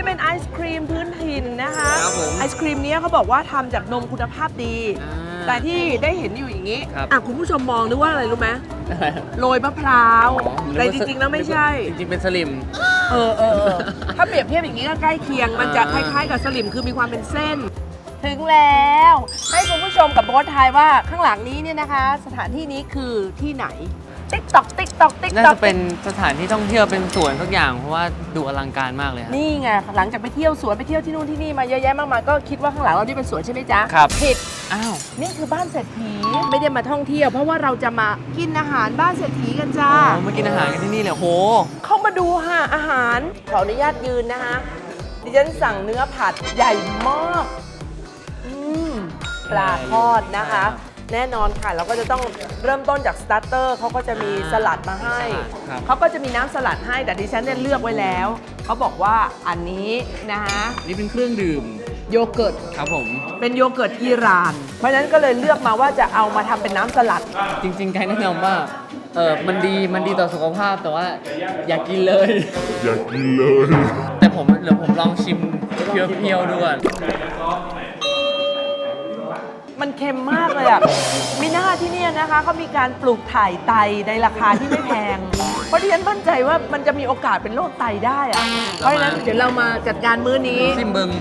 เป็นไอศครีมพื้นถิ่นนะคะครับผมไอศครีมนี้เขาบอกว่าทำจากนมคุณภาพดี แต่ที่ได้เห็นอยู่อย่างนี้คุณผู้ชมมองนึกว่าอะไรรู้ไหมโรยมะพร้าวแต่จริงๆแล้วไม่ใช่จริงๆเป็นสลิมถ้าเปรียบเทียบอย่างนี้ก็ใกล้เคียงมันจะคล้ายๆกับสลิมคือมีความเป็นเส้น ถึงแล้วให้คุณผู้ชมกับโบ๊ททายว่าข้างหลังนี้เนี่ยนะคะ สถานที่นี้คือที่ไหนติ๊กตอกติ๊กตอกติ๊กน่าตอกจะเป็นสถานที่ท่องเที่ยวเป็นสวนสักอย่างเพราะว่าดูอลังการมากเลยครับนี่ไงหลังจากไปเที่ยวสวนไปเที่ยวที่นู่นที่นี่มาเยอะแยะมากมายก็คิดว่าข้างหลังเรานี่เป็นสวนใช่ไหมจ๊ะครับผิดอ้าวนี่คือบ้านเศรษฐีไม่ได้มาท่องเที่ยวเพราะว่าเราจะมากินอาหารบ้านเศรษฐีกันจ้ามากินอาหารกันที่นี่เลยโหเข้ามาดูค่ะอาหารขออนุญาตยืนนะคะดิฉันสั่งเนื้อผัดใหญ่มากปลาทอดนะคะ แน่นอนค่ะเราก็จะต้องเริ่มต้นจากสตาร์เตอร์เขาก็จะมีสลัดมาให้ครับเขาก็จะมีน้ำสลัดให้แต่ดิฉันเนี่ยเลือกไว้แล้วเขาบอกว่าอันนี้นะคะนี่เป็นเครื่องดื่มโยเกิร์ตครับผมเป็นโยเกิร์ตอิหร่าน เพราะฉะนั้นก็เลยเลือกมาว่าจะเอามาทำเป็นน้ำสลัดจริงๆไกด์แนะนำว่ามันดีต่อสุขภาพแต่ว่าอย่ากินเลยอยากกินเลยแต่ผมเดี๋ยวผมลองชิมเพียวๆดูก่อนมันเค็มมากเลยอ่ะมีหน้าที่เนี่ยนะคะเขามีการปลูกถ่ายไตในราคาที่ไม่แพง เพราะที่ฉันมั่นใจว่ามันจะมีโอกาสเป็นโรคไตได้อ่ะ เพราะฉะนั้นเดี๋ยวเรามาจัดการมื้อนี้ซิมเบิง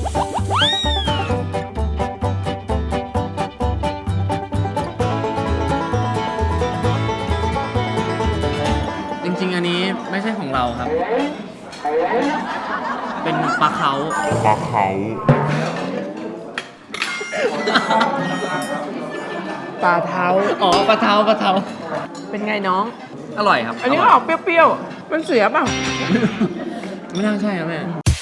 จริงๆ อันนี้ไม่ใช่ของเราครับ เป็นปลาเขาปลาเขาปลาเท้าอ๋อปลาเท้าเป็นไงน้องอร่อยครับอันนี้ก็ออกเปรี้ยวๆ มันเสียเปล่าไม่น่าใช่ครับแม่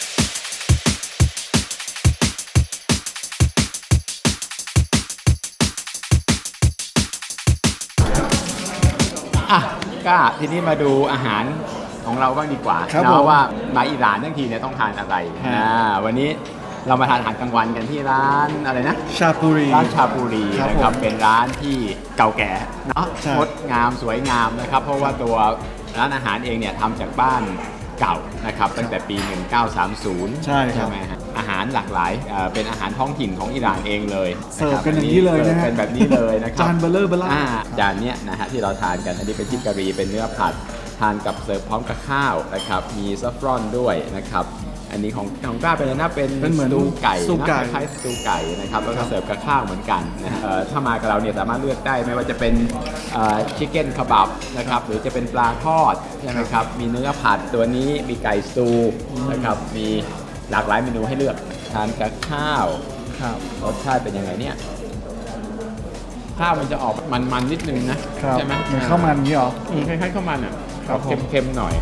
อ่ะก็ทีนี้มาดูอาหารของเราบ้างดีกว่าครับผมเนาะว่ามาอิหร่านทั้งทีเนี่ยต้องทานอะไรฮะวันนี้เรามาทานอาหารกลางวันกันที่ร้านอะไรนะชาปูรีร้านชาบูรีครับนะครับผมเป็นร้านที่เก่าแก่เนาะใช่งดงามสวยงามนะครับ เพราะว่าตัวร้านอาหารเองเนี่ยทำจากบ้านเก่านะครับตั้งแต่ปี 1930 ใช่ครับไหมฮะอาหารหลากหลายเป็นอาหารท้องถิ่นของอิหร่านเองเลยเสิร์ฟกันอย่างนี้เลยนะฮะเป็นแบบนี้เลยนะครับจานเบลเลอร์เบล่าจานเนี้ยนะฮะที่เราทานกันอันนี้เป็นทิกะรีเป็นเนื้อผัดทานกับเสิร์ฟพร้อมกับข้าวนะครับมีซัฟฟรอนด้วยนะครับอันนี้ของกล้าเป็นอะไรนะเป็นเป็นเหมือนสตูไก่สตูไก่นะคล้ายๆสตูไก่นะครับแล้วก็เสิร์ฟกับข้าวเหมือนกันนะฮะถ้ามากับเราเนี่ยสามารถเลือกได้ไม่ว่าจะเป็นชิคเก้นคาบับนะครับหรือจะเป็นปลาทอดใช่ไหมครับมีเนื้อผัดตัวนี้มีไก่สตูนะครับมีหลากหลายเมนูให้เลือกทานกับข้าวครับรสชาติเป็นยังไงเนี่ยข้าวมันจะออกมันๆนิดนึงนะครับ ใช่ไหมเหมือนข้าวมันอย่างนี้เหรอคล้ายๆข้าวมันอ่ะครับผมเค็มๆหน่อย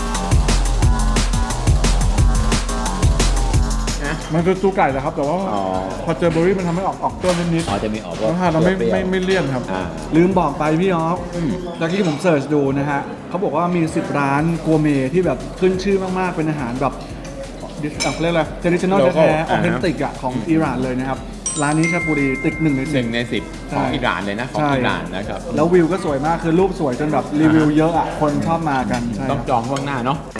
นะมันคือตูไก่แหละครับ แต่ว่าอ๋อพอเจอเบอร์รี่มันทำให้ออกต้นนิดอ๋อจะมีออกๆรสชาติเราไม่ปรี้ยวๆไม่เลี่ยนครับอ่าลืมบอกไปพี่ออฟตะกี้ผมเสิร์ชดูนะฮะเขาบอกว่ามี 10 ร้านกัวเมที่แบบขึ้นชื่อมากๆ เป็นอาหารแบบเขาเรียกอะไรเทดิชันแนล Local แท้ๆอออ่าเทฮะนติกอ่ะของอิหร่านเลยนะครับ ร้านนี้ชาปูรีติด1 ใน 1 ใน 10 ของใช่อิหร่านเลยนะของใช่อิหร่านนะครับแล้ววิวก็สวยมากคือรูปสวยจนแบบรีวิวเยอะอ่ะคนชอบมากันใช่ต้องจองล่วงหน้าเนาะ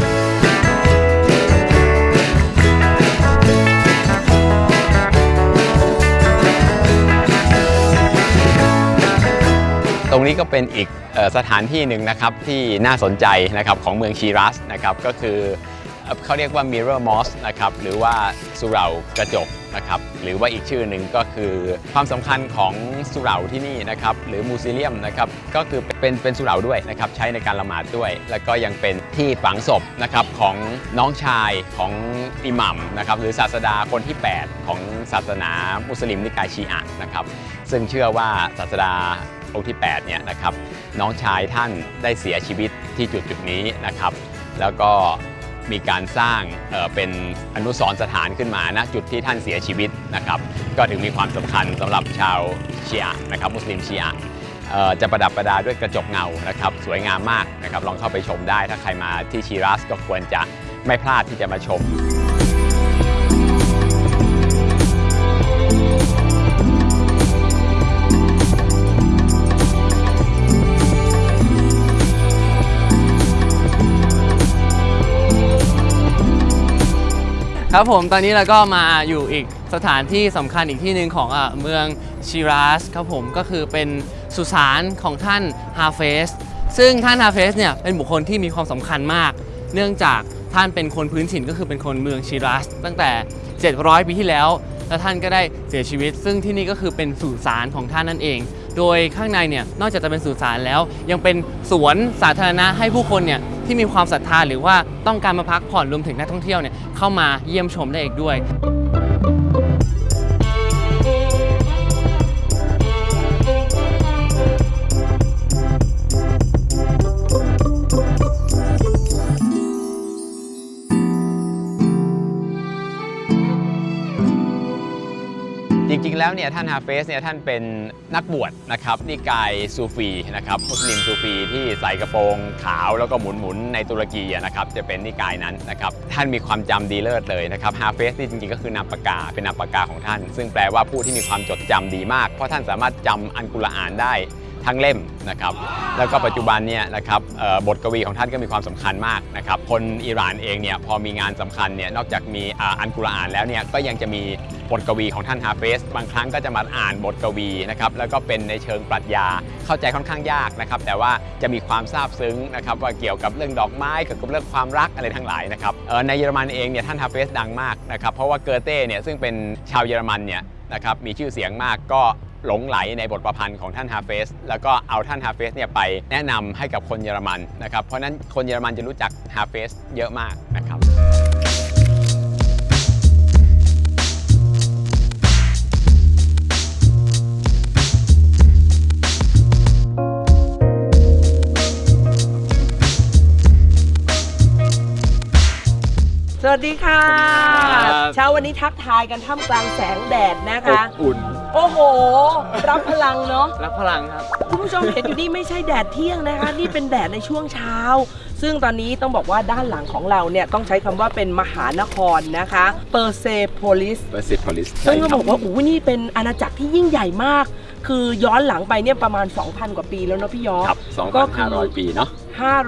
ตรงนี้ก็เป็นอีกสถานที่หนึ่งนะครับที่น่าสนใจนะครับของเมืองชีรัสนะครับก็คือเขาเรียกว่า Mirror Mosque นะครับหรือว่าสุเหร่ากระจกนะครับหรือว่าอีกชื่อหนึ่งก็คือความสำคัญของสุเหร่าที่นี่นะครับหรือมูซิเลียมนะครับก็คือเป็นสุเหร่าด้วยนะครับใช้ในการละหมาดด้วย แล้วก็ยังเป็นที่ฝังศพนะครับของน้องชายของอิหมัมนะครับหรือศาสดาคนที่ 8 ของศาสนามุสลิมนิกายชีอะห์นะครับซึ่งเชื่อว่าศาสดาองค์ที่ 8 เนี่ยนะครับน้องชายท่านได้เสียชีวิตที่จุดนี้นะครับแล้วก็มีการสร้างเป็นอนุสรณ์สถานขึ้นมาณจุดที่ท่านเสียชีวิตนะครับก็ถึงมีความสำคัญสำหรับชาวชีอะห์นะครับมุสลิมชีอะห์จะประดับประดาด้วยกระจกเงานะครับสวยงามมากนะครับลองเข้าไปชมได้ถ้าใครมาที่ชีรัสก็ควรจะไม่พลาดที่จะมาชมครับผมตอนนี้เราก็มาอยู่อีกสถานที่สำคัญอีกที่หนึ่งของเมืองชิราสครับผมก็คือเป็นสุสานของท่านฮาเฟสซึ่งท่านฮาเฟสเนี่ยเป็นบุคคลที่มีความสำคัญมาก เนื่องจากท่านเป็นคนพื้นถิ่นก็คือเป็นคนเมืองชิราสตั้งแต่ 700 ปีที่แล้วแล้วท่านก็ได้เสียชีวิต ซึ่งที่นี่ก็คือเป็นสุสานของท่านนั่นเอง โดยข้างในเนี่ยนอกจากจะเป็นสุสานแล้วยังเป็นสวนสาธารณะให้ผู้คนเนี่ยที่มีความศรัทธาหรือว่าต้องการมาพักผ่อนรวมถึงนักท่องเที่ยวเนี่ยเข้ามาเยี่ยมชมได้อีกด้วยจริงๆแล้วเนี่ยท่านฮาเฟสเนี่ยท่านเป็นนักบวชนะครับนิกายซูฟีนะครับมุสลิมซูฟีที่ใส่กระโปรงขาวแล้วก็หมุนๆในตุรกีนะครับจะเป็นนิกายนั้นนะครับท่านมีความจำดีเลิศเลยนะครับฮาเฟสนี่จริงๆก็คือนามปากกาเป็นนามปากกาของท่าน ซึ่งแปลว่าผู้ที่มีความจดจำดีมากเพราะท่านสามารถจำอัลกุรอานได้ทั้งเล่มนะครับแล้วก็ปัจจุบันเนี่ยนะครับบทกวีของท่านก็มีความสำคัญมากนะครับคนอิหร่านเองเนี่ยพอมีงานสำคัญเนี่ยนอกจากมีอัลกุรอานแล้วเนี่ยก็ยังจะมีบทกวีของท่านฮาเฟสบางครั้งก็จะมาอ่านบทกวีนะครับแล้วก็เป็นในเชิงปรัชญาเข้าใจค่อนข้างยากนะครับแต่ว่าจะมีความซาบซึ้งนะครับว่าเกี่ยวกับเรื่องดอกไม้เกี่ยวกับเรื่องความรักอะไรทั้งหลายนะครับในเยอรมันเองเนี่ยท่านฮาเฟสดังมากนะครับเพราะว่าเกอเต้เนี่ยซึ่งเป็นชาวเยอรมันเนี่ยนะครับมีชื่อเสียงมากก็หลงไหลในบทประพันธ์ของท่านฮาเฟสแล้วก็เอาท่านฮาเฟสเนี่ยไปแนะนำให้กับคนเยอรมันนะครับเพราะนั้นคนเยอรมันจะรู้จักฮาเฟสเยอะมากนะครับสวัสดีค่ะครับเช้าวันนี้ทักทายกันท่ามกลางแสงแดดนะคะอุ่นโอ้โห รับพลังเนาะรับพลังครับคุณผู้ชมเห็นอยู่นี่ไม่ใช่แดดเที่ยงนะคะ นี่เป็นแดดในช่วงเช้า ซึ่งตอนนี้ต้องบอกว่าด้านหลังของเราเนี่ยต้องใช้คำว่าเป็นมหานครนะคะเปอร์เซโพลิสเบอร์ซิโพลิสซึ่งก็บอกว่าโอ้โหนี่เป็นอาณาจักรที่ยิ่งใหญ่มาก คือย้อนหลังไปเนี่ยประมาณ 2,000 กว่าปีแล้วเนาะพี่ยอครับก็คือ 2,500 ปีเนาะ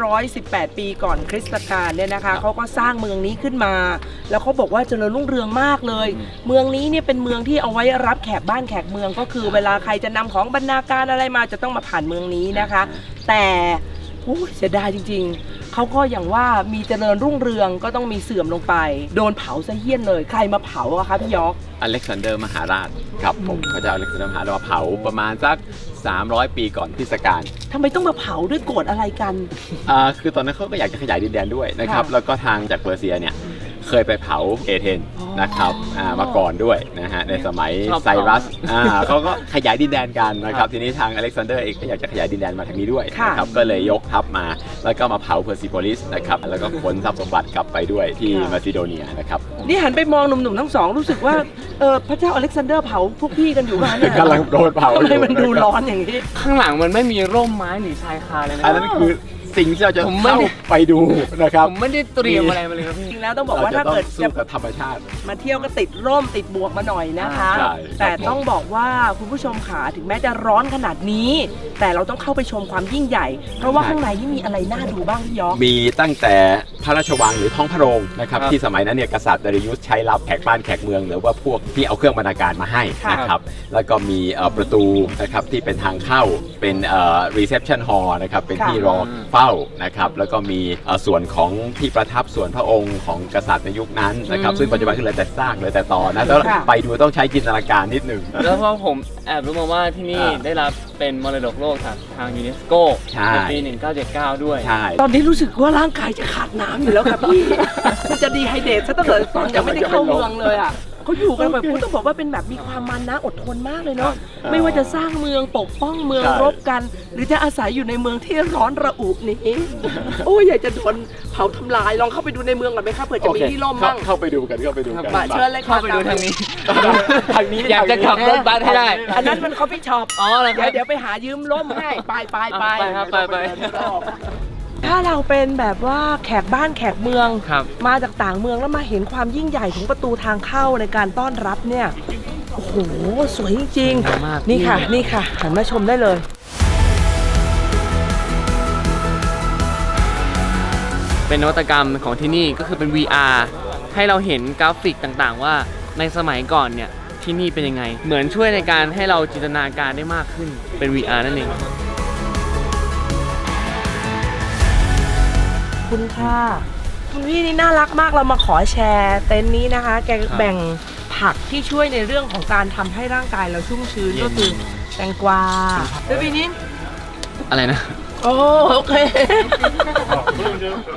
518 ปีก่อนคริสตกาลเนี่ยนะคะเขาก็สร้างเมืองนี้ขึ้นมา แล้วเขาบอกว่าเจริญรุ่งเรืองมากเลย เมืองนี้เนี่ยเป็นเมืองที่เอาไว้รับแขกบ้านแขกเมืองก็คือเวลาใครจะนำของบรรณาการอะไรมาจะต้องมาผ่านเมืองนี้นะคะ แต่เสียดายจริงๆเขาก็อย่างว่ามีเจริญรุ่งเรืองก็ต้องมีเสื่อมลงไป โดนเผาซะเหี้ยนเลยใครมาเผาอะคะพี่ยอกอเล็กซานเดอร์มหาราชครับผมพระเจ้าอเล็กซานเดอร์มหาราชมาเผาประมาณสัก300 ปีก่อนคริสตกาลทำไมต้องมาเผาด้วยโกรธอะไรกันคือตอนนั้นเขาก็อยากจะขยายดินแดนด้วยนะครับค่ะแล้วก็ทางจากเปอร์เซียเนี่ยเคยไปเผาเอเธนนะครับมาก่อนด้วยนะฮะในสมัยชอบเผาไซรัสเขาก็ขยายดินแดนกันนะครับทีนี้ทางอเล็กซานเดอร์เองก็อยากจะขยายดินแดนมาทางนี้ด้วยค่ะนะครับก็เลยยกทัพมาแล้วก็มาเผาเพอร์ซิโพลิสนะครับแล้วก็ขนทรัพย์สมบัติกลับไปด้วยที่มาซิโดเนียนะครับนี่หันไปมองหนุ่มๆทั้งสองรู้สึกว่าพระเจ้าอเล็กซานเดอร์เผาพวกพี่กันอยู่บ้านเนี่ยกำลังโดนเผาทำอไมยู่มันดูร้อนอย่างนี้ข้างหลังมันไม่มีร่มไม้หรือชายคาเลยนะอันนั้นคือสิ่งที่เราจะผมไม่เข้าได้ไปดูนะครับผมไม่ได้เตรียมอะไรมาเลยครับพี่จริงแล้วต้องบอกว่าถ้าเกิดสู้จะกับธรรมชาติมาเที่ยวก็ติดร่มติดบวกมาหน่อยนะคะใช่แต่ต้องบอกว่าคุณผู้ชมขาถึงแม้จะร้อนขนาดนี้ แต่เราต้องเข้าไปชมความยิ่งใหญ่ เพราะว่าข้างในนี่มีอะไรน่าดูบ้างพี่ยอกมีตั้งแต่พระราชวังหรือท้องพระโรงนะครับครับที่สมัยนั้นเนี่ยกษัตริย์ดาริยุสใช้รับแขกบ้านแขกเมืองหรือว่าพวกที่เอาเครื่องบรรณาการมาให้นะครับแล้วก็มีประตูนะครับที่เป็นทางเข้าเป็นreception hall นะครับเป็นที่รอเฝ้านะครับแล้วก็มีส่วนของที่ประทับส่วนพระองค์ของกษัตริย์ในยุคนั้นนะครับซึ่งปัจจุบันคือเหลือแต่ซากเหลือแต่ตอนะแล้วไปดูต้องใช้จินตนาการนิดหนึ่งแล้วเพราะผมแอบรู้มาว่าที่นี่ได้รับเป็นมรดกโลกจากทางยูเนสโกใช่ในปี 1979 ด้วยใช่ตอนนี้รู้สึกว่าร่างกายจะขาดน้ำอยู่แล้วครับพี่ มันจะดีไฮเดรตซะตั้งแต่ตอนยังไม่ได้เข้าเมืองเลยอ่ะเขาอยู่กันแบบต้องบอกว่าเป็นแบบมีความมันนะอดทนมากเลยเนาะไม่ว่าจะสร้างเมืองปกป้องเมืองใช่รบกัน หรือจะอาศัยอยู่ในเมืองที่ร้อนระอุนี้ โอ้ยอยากจะโดนเผาทำลายลองเข้าไปดูในเมืองก่อนไหมครับเผื่อจะมีที่ร่มบ้างเข้าไปดูกันเข้าไปดูกันมาเชิญเลยค่ะเข้าไปดูทางนี้ทางนี้อยากจะขับรถบัสให้ได้อันนั้นมันคอฟฟี่ช็อปอ๋อเหรอครับเดี๋ยวไปหายืมร่มให้ไปไปครับไปถ้าเราเป็นแบบว่าแขกบ้านแขกเมืองครับมาจากต่างเมืองแล้วมาเห็นความยิ่งใหญ่ของประตูทางเข้าในการต้อนรับเนี่ย โอ้โห สวยจริงสวยมากนี่ค่ะ นี่ค่ะ หันมาชมได้เลยเป็นนวัตกรรมของที่นี่ก็คือเป็น VR ให้เราเห็นกราฟิกต่างๆ ว่าในสมัยก่อนเนี่ยที่นี่เป็นยังไง เหมือนช่วยในการให้เราจินตนาการได้มากขึ้นเป็น VR นั่นเองคุณค่ะคุณพี่นี่น่ารักมากเรามาขอแชร์เต็นท์นี้นะคะ แกแบ่งผักที่ช่วยในเรื่องของการทำให้ร่างกายเราชุ่มชื้นก็คือแตงกวาแล้วปีนี้อะไรนะโอเค